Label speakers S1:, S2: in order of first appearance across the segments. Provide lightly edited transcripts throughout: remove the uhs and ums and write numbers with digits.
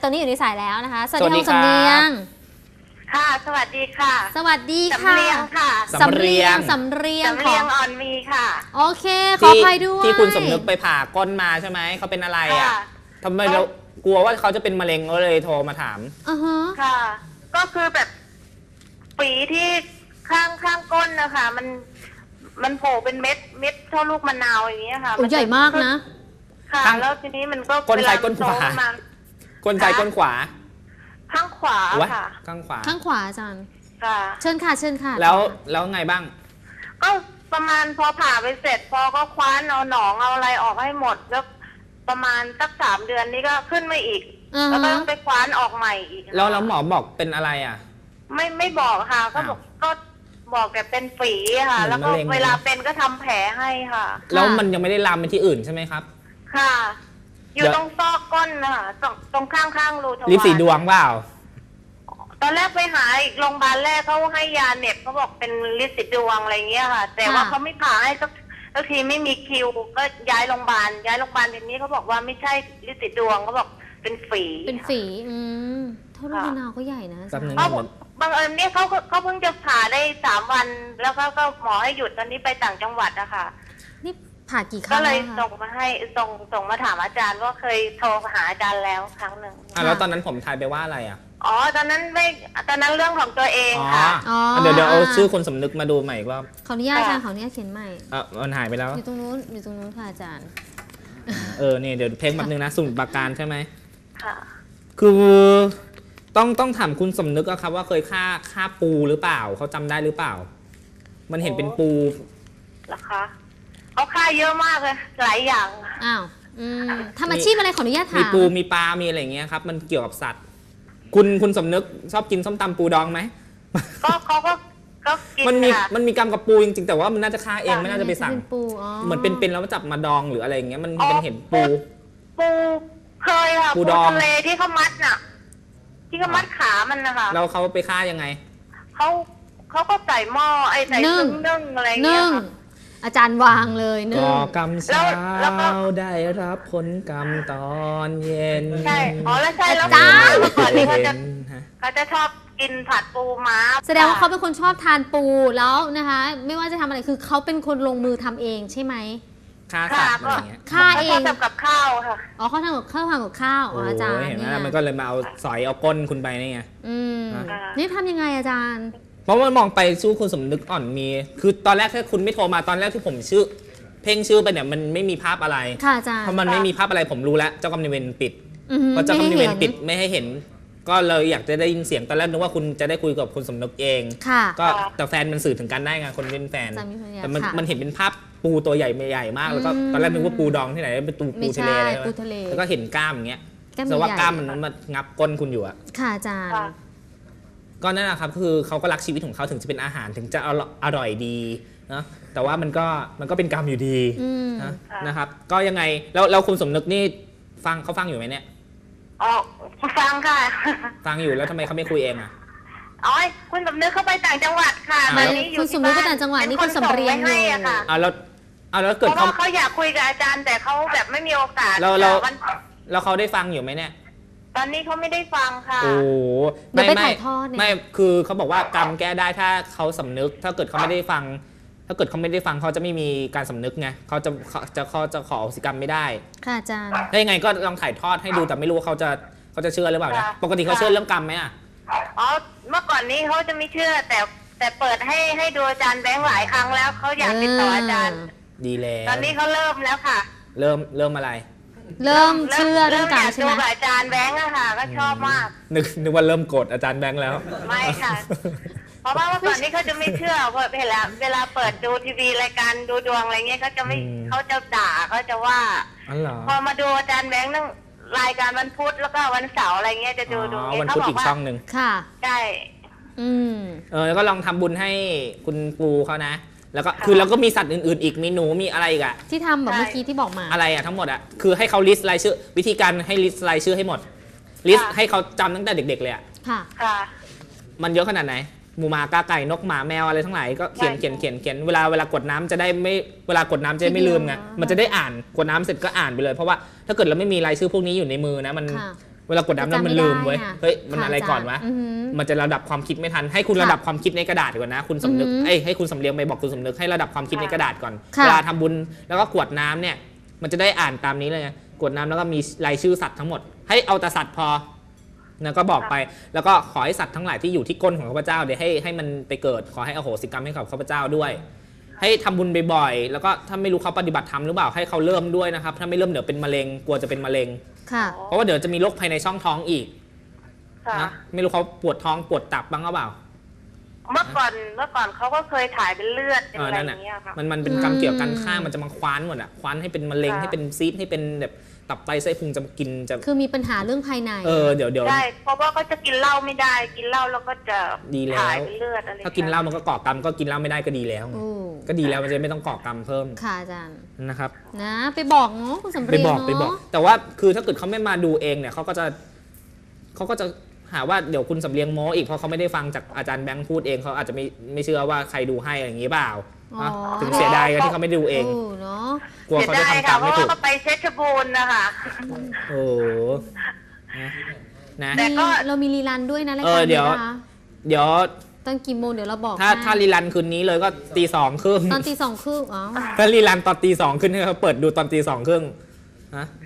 S1: ตอนนี้อยู่ในสายแล้วนะคะสวัส
S2: สวัส
S1: ดี
S2: ดี
S1: คุณ
S2: ครับ
S1: สำเนียง
S3: ค่ะสวัสดีค่ะ
S1: สวัสดีค่ะ
S3: สำเรียงค่ะ
S1: สำเรียงสำเรียง
S3: สำเรียงอ่อนมีค่ะ
S1: โอเคขออภัยด้วย
S2: ที่คุณสมนึกไปผ่าก้นมาใช่ไหมเขาเป็นอะไรอ่ะ
S3: ค่ะ
S2: ทำไมเรากลัวว่าเขาจะเป็นมะเร็งก็เลยโทรมาถาม
S3: ค่ะ ก็คือแบบฝีที่ข้างก้นนะคะมันโผล่เป็นเม็ดเท่าลูกมะนาวอย่างเงี้ยค่ะ
S1: โอ้ใหญ่มากนะ
S3: ค่ะ
S2: ข้าง
S3: แล้วทีนี้มันก็
S2: ก้นซ้ายก้นขวา
S3: เวลมัน
S2: ก้นซ้ายก้นขวา
S3: ข้างขวาว
S2: ะ
S3: ค่ะ
S2: ข้างขวา
S1: ข้างขวาอาจารย์
S3: ค่ะ
S1: เชิญค่ะเชิญค่ะ
S2: แล้วไงบ้าง
S3: ก็ประมาณพอผ่าไปเสร็จ พอก็คว้านเอาหนองเอาอะไรออกให้หมดแล้วประมาณสัก3 เดือนนี้ก็ขึ้นมาอีก แล้วก็ต้องไปคว้านออกใหม่อีก
S2: แล้วหมอบอกเป็นอะไรอ่ะ
S3: ไม่บอกค่ะ ก็บอกก็บอกแต่เป็นฝีค่ะ
S2: เหมือน
S3: แล้วก็
S2: มะเร็ง
S3: เวลาเป็นก็ทำแผลให้ค่ะ
S2: แล้วมันยังไม่ได้ลามไปที่อื่นใช่ไหมครับ
S3: ค่ะ อยู่
S2: เดี๋ยว
S3: ตรงซอกก้นนะคะตรงข้างรูทวาร
S2: ลิปสีดวงเปล่า
S3: ตอนแรกไปหาอีกโรงพยาบาลแรกเขาให้ยาเหน็บเขาบอกเป็นลิปสีดวงอะไรเงี้ยค่ะ แต่ว่าเขาไม่ผ่าให้สักทีไม่มีคิว ก็ย้ายโรงพยาบาลทีนี้เขาบอกว่าไม่ใช่ลิปสีดวงเขาบอกเป็นฝี
S1: เป็นฝีเท่าลูกมะนาวก็ใหญ่นะ
S2: แป๊บนึง
S3: เขาบังเอิญเนี่ยเขาเพิ่งจะผ่าได้3 วัน แล้วก็หมอให้หยุดตอนนี้ไปต่างจังหวัดอะค่ะ
S1: นี่ผ่ากี่ครั้
S3: ก็
S1: ง
S3: เลย
S1: แล้ว
S3: ส่
S1: คะ
S3: งมาให้ส่งมาถามอาจารย์ว่าเคยโทรหาอาจารย์แล้วครั้งหนึ่ง
S2: แล้วตอนนั้นผมทายไปว่าอะไรอ่ะ
S3: อ๋อตอนนั้นเรื่องของตัวเอง
S2: อ๋อ
S3: ค่ะ
S2: เดี๋ยวเอาชื่อคนสมนึกมาดูใหม่อีกรอบ
S1: ขออนุญาตอาจารย์ขออนุญาตเขียนใหม่
S2: มันหายไปแล้ว
S1: อยู่ตรงนู้นค่ะอาจารย์
S2: เนี่ยเดี๋ยวเพลงแบบนึงนะสมุดปราการใช่ไหม
S3: ค่ะ
S2: คือต้องถามคุณสมนึกอะครับว่าเคยฆ่าปูหรือเปล่าเขาจำได้หรือเปล่า มันเห็นเป็นปู
S3: เหรอคะเขาค่าเยอะมากเลยหลายอย่าง
S1: อ้าวทำอาชีพอะไรขออนุญาตถาม
S2: มีปูมีปลา มีอะไรอย่างเงี้ยครับ มันเกี่ยวกับสัตว์ คุณสมนึกชอบกินส้มตำปูดองไหม
S3: ก็เขาก็กิน
S2: มัน
S3: ค่ะ
S2: มีกรรมกับปูจริงๆแต่ว่ามันน่าจะฆ่าเองไม่น่าจะไปสั่ง
S1: เป็นปู
S2: เหมือนเป็นแล้วจับมาดองหรืออะไรอย่างเงี้ยมันเห็นปู
S3: ปูเคยค่ะ
S2: ปูดอง
S3: ทะเลที่เขามัดน่ะ ที่เขามัดขามันนะคะ
S2: แล้วเขาไปฆ่ายังไง
S3: เขาก็ใส่หม้อใส่นึ่งอะไรเงี้ยค่ะ
S1: อาจารย์วางเลยนึ่ง
S2: ก่อกรรมเช้า
S3: แล้วก็
S2: ได้รับผลกรรมตอนเย็น
S3: ใช่แล้วใช่แล้ว
S1: อาจารย์
S3: เมื่อก่อนนี้เขาจะ
S2: ฮะ
S3: ชอบกินผัดปูม้า
S1: แสดงว่าเขาเป็นคนชอบทานปูแล้วนะคะ ไม่ว่าจะทำอะไรคือเขาเป็นคนลงมือทำเองใช่ไหม
S2: ฆ่าสัตว์อะไรอย่างเงี้ย
S1: ฆ่าเอง
S3: ทำกับข้าวค่ะ
S1: อ๋อเขาทำกับข้าวอาจารย์
S2: โอ้ยเห็นไหม
S1: เนี่ย
S2: มันก็เลยมาเอาสอยเอาก้นคุณไปนี่ไง
S1: นี่ทำยังไงอาจารย์
S2: เพราะว่ามองไปสู้คุณสมนึกอ่อนมี คือตอนแรกถ้าคุณไม่โทรมาตอนแรกที่ผมเพ่งชื่อไปเนี่ยมันไม่มีภาพอะไร
S1: ค่ะอาจารย์
S2: เพราะมันไม่มีภาพอะไรผมรู้แล้วเจ้ากรรมนายเวรปิด
S1: อือหือ
S2: เพราะเจ้ากรรมนายเวร
S1: ไม่ให้เห็น
S2: ปิดไม่ให้เห็น ก็เลยอยากจะได้ยินเสียงตอนแรกนึกว่าคุณจะได้คุยกับคุณสมนึกเอง
S1: ค่ะ
S2: ก็แต่แฟนมันสื่อถึงกันได้ไงคนเป็นแฟน
S1: สามีภรรยา
S2: แต่
S1: ค่ะ
S2: มันเห็นเป็นภาพปูตัวใหญ่ใหญ่มากแล้วก็ตอนแรกนึกว่าปูดองที่ไหนเป็นปู
S1: ไม่
S2: ทะ
S1: ใช่
S2: เลอะไร
S1: ปูทะเล
S2: แล้วก็เห็นกล้ามอย่างเงี้ย
S1: แก้ม
S2: แต่ว่า
S1: ใหญ่
S2: กล้ามมันมางับก้นคุณอยู่อะ
S1: ค่ะอาจารย์
S3: ค่ะ
S2: ก็นั่นแหละครับคือเขาก็รักชีวิตของเขาถึงจะเป็นอาหารถึงจะอร่อยดีนะแต่ว่ามันก็เป็นกรรมอยู่ดีนะครับก็ยังไงแล้วคุณสมนึกนี่เขาฟังอยู่ไหมเนี่ย
S3: อ๋อฟังค่ะ
S2: ฟังอยู่แล้วทำไมเขาไม่คุยเองอะ
S3: อ๋อคุณสมนึกเข้าไปต่างจังหวัดค่ะ
S2: อ่า
S3: ตอนนี้อยู่
S1: คุณสมนึกไปต่างจังหวัดนี่คุณสำเรียง
S3: ให้อะค่ะ
S2: แล้ว
S3: เพ
S2: เกิด
S3: ราะว่าเขาอยากคุยกับอาจารย์แต่เขาแบบไม่มีโอกาส
S2: แล้วเขาได้ฟังอยู่ไหมเนี่ย
S3: ตอนนี้เขาไม่ได้ฟังค่ะ
S2: โอ้
S1: เดี๋ยวไปถ่ายทอดเนี่ย
S2: ไม่คือเขาบอกว่ากรรมแก้ได้ถ้าเขาสำนึกถ้าเกิดเขาไม่ได้ฟัง ถ้าเกิดเขาไม่ได้ฟังเขาจะไม่มีการสำนึกไงเขาจะขออโหสิกรรมไม่ได้
S1: ค่ะอาจารย์
S2: ถ้ายังไงก็ลองถ่ายทอดให้ดูแต่ไม่รู้ว่าเขาจะเชื่อหรือเปล่านะปกติเขาเชื่อเรื่องกรรมไหมอ่ะ
S3: อ๋อเมื่อก่อนนี้เขาจะไม่เชื่อแต่เปิดให้ดูอาจารย์แบงค์หลายครั้งแล้วเขาอยากติดต่ออาจารย์
S2: ดีแล้ว
S3: ตอนนี้เขาเริ่มแล้วค่ะ
S2: เริ่มอะไร
S1: เริ่มเชื่อเรื่องกรรมใช่ไหม
S3: เริ่อยากดูกับอาจารย์แบงค์อะค่ะ ก็ชอบมาก
S2: นึกว่าเริ่มโกรธอาจารย์แบงค์แล้ว
S3: ไม่ค่ะ เพราะว่าเมื่อก่อนนี้เขาจะไม่เชื่อเพราะเวลาเปิดดูทีวีรายการดูดวงอะไรเงี้ยเขาจะไม่เขาจะด่าเขาจะว่า
S2: อ๋อเหรอ
S3: พอมาดูอาจารย์แบงค์นั่งรายการวันพุธแล้วก็วันเสาร์อะไรเงี้ยจะดู
S2: วันพุธอีกช่องหนึ่ง
S1: ค่ะ
S3: ใช่
S2: แล้วก็ลองทำบุญให้คุณปูเขานะ แล้วก็คือเราก็มีสัตว์อื่นๆอีกมีหนูมีอะไรอีกอะ
S1: ที่ทำแบบเมื่อกี้ที่บอกมา
S2: อะไรอะทั้งหมดอะคือให้เขาลิสต์รายชื่อ วิธีการให้ลิสต์รายชื่อให้หมดลิสต์ให้เขาจำตั้งแต่เด็กๆเลยอะ
S1: ค่ะ
S3: ค่ะ
S2: มันเยอะขนาดไหนหมูหมากาไก่นกหมาแมวอะไรทั้งหลายก็เขียนเวลากดน้ำจะได้ไม่เวลากดน้ำจะได้ไม่ลืมไงมันจะได้อ่านกดน้ำเสร็จก็อ่านไปเลยเพราะว่าถ้าเกิดเราไม่มีรายชื่อพวกนี้อยู่ในมือนะเวลากดน้ำแล้วมันลืมเว้ยเฮ้ยมันอะไรก่อนวะมันจะระดับความคิดไม่ทันให้คุณระดับความคิดในกระดาษก่อนนะคุณสำนึกให้คุณสำเรียงไปบอกคุณสำนึกให้ระดับความคิดในกระดาษก่อนเวลาทำบุญแล้วก็กรวดน้ำเนี่ยมันจะได้อ่านตามนี้เลยไงกรวดน้ำแล้วก็มีรายชื่อสัตว์ทั้งหมดให้เอาแต่สัตว์พอแล้วก็บอกไปแล้วก็ขอให้สัตว์ทั้งหลายที่อยู่ที่ก้นของข้าพเจ้าเดี๋ยวให้มันไปเกิดขอให้อโหสิกรรมให้กับข้าพเจ้าด้วยให้ทำบุญบ่อยๆแล้วก็ถ้าไม่รู้เขาปฏิบัติธรรมหรือเปล่าให้เขาเริ่มด้วยนะครับถ้าไม่เริ่มเดี๋ยวเป็นมะเร็งกลัวจะเป็นมะเร็งเพราะว่าเดี๋ยวจะมีโรคภายในช่องท้องอีกนะไม่รู้เขาปวดท้องปวดตับบ้างหรือเปล่า
S3: เมื่อก่อนเขาก็เคยถ่ายเป็นเลือดเป็นอะไรอย่างเงี้ยค่ะ
S2: มันเป็นกรรมเกี่ยวกันข้างมันจะมาคว้านหมดอ่ะคว้านให้เป็นมะเร็งให้เป็นซีสให้เป็นแบบตับไตไส้พุงจะกินจะ
S1: คือมีปัญหาเรื่องภายใน
S2: เดี๋ยว
S3: ใช่เพราะว่าก็จะกินเหล้าไม่ได้กินเหล้าแล้วก็จะถ่ายเป็นเลือดอะไร
S2: ถ้ากินเหล้ามันก็ก่อกรรมก็กินเหล้าไม่ได้ก็ดีแล้วก็ดีแล้วมันจะไม่ต้องก่อกรรมเพิ่ม
S1: ค่ะอาจารย์
S2: นะครับ
S1: นะไปบอกเนาะคุณสำเร็จ
S2: ไปบอกแต่ว่าคือถ้าเกิดเขาไม่มาดูเองเนี่ยเขาก็จะหาว่าเดี๋ยวคุณสำเรียงโม้อีกเพราะเขาไม่ได้ฟังจากอาจารย์แบงค์พูดเองเขาอาจจะไม่เชื่อว่าใครดูให้อย่างนี้เปล่าถึงเสียดายกันที่เขาไม่ดูเองกลัวเขาจะทำตามไม่ถูก
S3: ก็ไปเพชรบูรณ์นะคะ
S2: โอ้
S1: นะแต่ก็เรามีรีรันด้วยนะรายการ
S2: นี้
S1: นะคะ
S2: เดี๋ยว
S1: ตอนกี่โมงเดี๋ยวเราบอก
S2: ถ้ารีรันคืนนี้เลยก็ตี 2:30
S1: ตอนตี 2:30อ๋อ
S2: ถ้ารีรันตอนตี 2ขึ้นให้เขาเปิดดูตอนตี 2:30ฮะ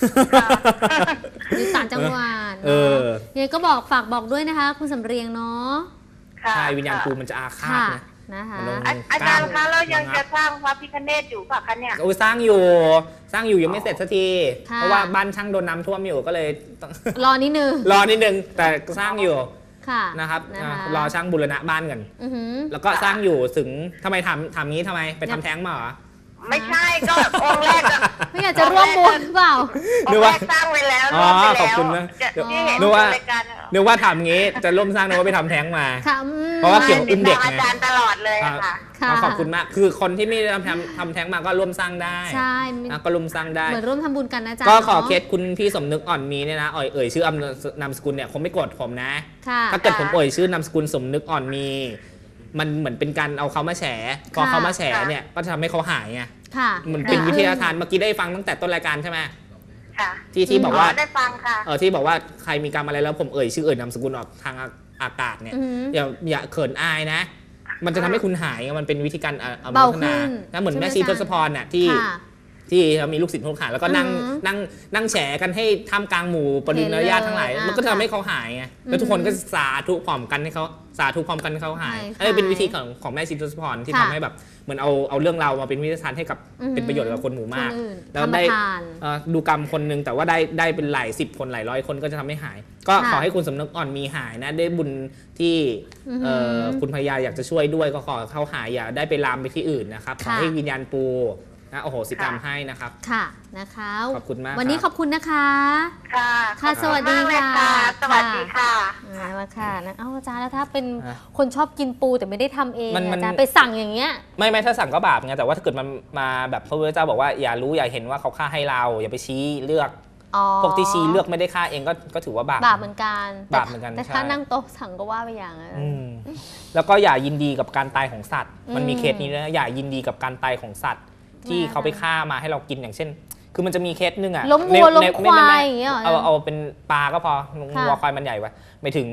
S1: อยู่ต่างจังหวัดเนี่ยก็ฝากบอกด้วยนะคะคุณสำเรียงเนาะ
S2: ใช่วิญญาณกูมันจะอาฆาต
S3: นะคะอาจารย์คะแล้วยังจะสร้างพระพิฆเนศอยู่ป่ะคะเนี่ย
S2: สร้างอยู่ยังไม่เสร็จสักทีเพราะว่าบ้านช่างโดนน้ำท่วมอยู่ก็เลย
S1: รอนิดนึง
S2: แต่สร้างอยู่นะครับรอช่างบูรณะบ้านกันแล้วก็สร้างอยู่ถึงทำไมถามงี้ทำไมไปทำแท้งมาเหรอ
S3: ไม่ใช่ก็องค์แรก
S1: ไม่อยากจะร่วมบุญเปล่า
S3: องค์แรกสร้างไว้แล้ว
S2: ขอบคุณนะนึกว่าถามงี้จะร่วมสร้างนึกว่าไปทำแท้งมาเพราะว่าเกี่ยวกับอุ้มเด็ก
S3: อาจารย์ตลอดเลยค่ะ
S2: ขอบคุณมากคือคนที่ไม่ได้ทำแท้งมาก็ร่วมสร้างได้
S1: ใช่
S2: ก็ร่วมสร้างได้
S1: เหมือนร่วมทำบุญกันนะจ๊ะ
S2: ก็ขอเคสคุณพี่สมนึกอ่อนมีเนี่ยนะเอ่ยชื่อนามสกุลเนี่ยคงไม่โกรธผมนะถ้าเกิดผมเอ่ยชื่อนามสกุลสมนึกอ่อนมีมันเหมือนเป็นการเอาเขามาแฉพอเขามาแฉเนี่ยก็จะทำให้เขาหายไงมันเป็นวิทยาทานเมื่อกี้ได้ฟังตั้งแต่ต้นรายการใช่ไหมที่บอกว่า
S3: ได้ฟังค่ะ
S2: ที่บอกว่าใครมีกรรมอะไรแล้วผมเอ่ยชื่อเอ่ยนามสกุลออกทางอากาศเนี่ยอย่าเขินอายนะมันจะทำให้คุณหายมันเป็นวิธีการ
S1: เบาขึ้น
S2: นะเหมือนแม่ชีทศพรน่ะที่มีลูกศิษย์ลูกหาแล้วก็นั่งแฉกันให้ท่ามกลางหมู่ปริญญาทั้งหลายมันก็ทำให้เขาหายไงแล้วทุกคนก็สาธุพร้อมกันให้เขาหายเป็นวิธีของแม่ชีทศพรที่ทำให้แบบเหมือนเอาเรื่องเรามาเป็นวิทยาทานให้กับเป็นประโยชน์กับคนหมู่มากแล้วได้ดูกรรมคนนึงแต่ว่าได้เป็นหลาย10 คนหลายร้อยคนก็จะทำให้หายก็ขอให้คุณสำนึกอ่อนมีหายนะได้บุญที่คุณพญาอยากจะช่วยด้วยก็ขอเข้าหายอย่าได้ไปลามไปที่อื่นนะครับขอให้วิญญาณปูโอ้โหสิกรรมให้นะครับ
S1: ค่ะนะคะ
S2: ขอบคุณมาก
S1: วันนี้ขอบคุณนะคะ
S3: ค่ะ
S1: สวัสดีค่ะ
S3: สวัสดีค่ะ
S1: มาค่ะนะอาจารย์แล้วถ้าเป็นคนชอบกินปูแต่ไม่ได้ทำเองอาจารย์ไปสั่งอย่างเงี้ย
S2: ไม่ถ้าสั่งก็บาปไงแต่ว่าถ้าเกิดมันมาแบบพระพุทธเจ้าบอกว่าอย่ารู้อย่าเห็นว่าเขาฆ่าให้เราอย่าไปชี้เลือกพวกที่ชี้เลือกไม่ได้ฆ่าเองก็ถือว่าบาป
S1: เหมือนกันแต่ถ้านั่งโต๊ะสั่งก็ว่าไปอย่างนั้น
S2: แล้วก็อย่ายินดีกับการตายของสัตว์มันมีเคสนี้นะอย่ายินดีกับการตายของสัตว์ที่เขาไปฆ่ามาให้เรากินอย่างเช่นคือมันจะมีเคสนึงอ่ะ
S1: ล้มวัวล้มควายอย่างเงี้ย
S2: เอาเป็นปลาก็พอวัวควายมันใหญ่ไว้ไม่ถึง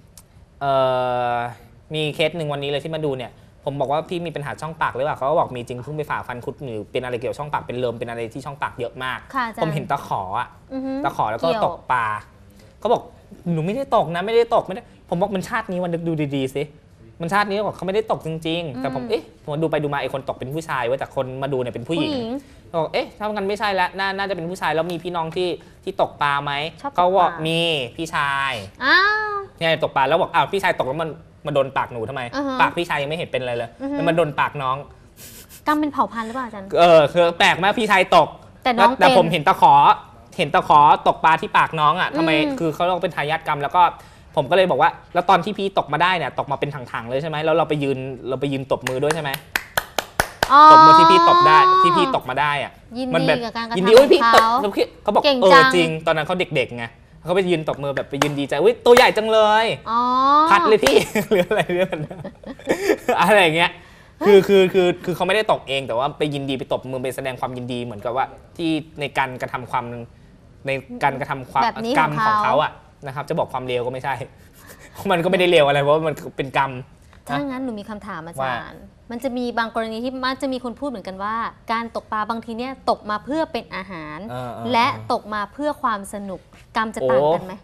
S2: มีเคสหนึ่งวันนี้เลยที่มาดูเนี่ยผมบอกว่าพี่มีปัญหาช่องปากหรือเปล่าเขาก็บอกมีจริงเพิ่งไปผ่าฟันคุดหรือเป็นอะไรเกี่ยวช่องปากเป็นเลิมเป็นอะไรที่ช่องปากเยอะมากผมเห็นตะขอแล้วก็ตกปลาเขาบอกหนูไม่ได้ตกนะไม่ได้ตกไม่ได้ผมบอกมันชาตินี้วันนึกดูดีๆสิมันชาตินี้บอกเขาไม่ได้ตกจริงๆแต่ผมดูไปดูมาไอ้คนตกเป็นผู้ชายเว้ยแต่คนมาดูเนี่ยเป็นผู้หญิงบอกถ้ามันไม่ใช่แล้วน่าจะเป็นผู้ชายแล้วมีพี่น้องที่ตกปลาไหมเขาบอกมีพี่ชายเนี่ยตกปลาแล้วบอกพี่ชายตกแล้วมันโดนปากหนูทำไมปากพี่ชายยังไม่เห็นเป็นอะไรเลยแล้วมันโดนปากน้อง
S1: กรรมเป็นเผ่าพันธุ์หรือเปล่าอาจารย์
S2: คือแปลกมากพี่ชายตกแต่ผมเห็นตะขอตกปลาที่ปากน้องอ่ะทำไมคือเขาเป็นทายาทกรรมแล้วก็ผมก็เลยบอกว่าแล้วตอนที่พี่ตกมาได้เนี่ยตกมาเป็นถังๆเลยใช่ไหมแล้วเราไปยืนตบมือด้วยใช่ไหมตบมือที่พี่ตบได้ที่พี่ตกมาได้อ่ะ
S1: มันแบบ
S2: ยินดีพี่ตกเขาบอกจริงตอนนั้นเขาเด็กๆไงเขาไปยืนตบมือแบบไปยืนดีใจตัวใหญ่จังเลยพัดเลยพี่หรืออะไรเรื่องอะไรอย่างเงี้ยคือเขาไม่ได้ตกเองแต่ว่าไปยินดีไปตบมือไปแสดงความยินดีเหมือนกับว่าที่ในการกระทำความในการกระทำความ
S1: แบบนี้
S2: กรรม
S1: ของ
S2: ของ
S1: เขา
S2: เขาอะนะครับจะบอกความเลวก็ไม่ใช่ มันก็ไม่ได้เลวอะไรเพราะว่ามันเป็นกรรม
S1: ถ้างั้นหนูมีคำถามอาจารย์ มันจะมีบางกรณีที่มักจะมีคนพูดเหมือนกันว่า การตกปลาบางทีเนี่ยตกมาเพื่อเป็นอาหาร และตกมาเพื่อความสนุกกรรมจะต่างกันไหม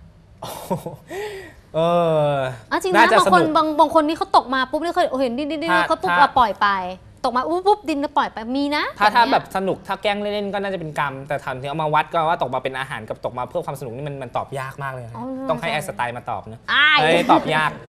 S1: จริงนะบางคนบางคนนี่เขาตกมาปุ๊บนี่เคยเห็นดินเขาปุ๊บปล่อยไป ตกมาปุ๊บดินแล้วปล่อยไปมีนะ
S2: ถ้าแบบสนุกถ้าแกล้งเล่นๆก็น่าจะเป็นกรรมแต่ถามถึงเอามาวัดก็ว่าตกมาเป็นอาหารกับตกมาเพื่อความสนุกนี่มันตอบยากมากเลยต้องให้ไอน์สไตน์มาตอบนะตอบยาก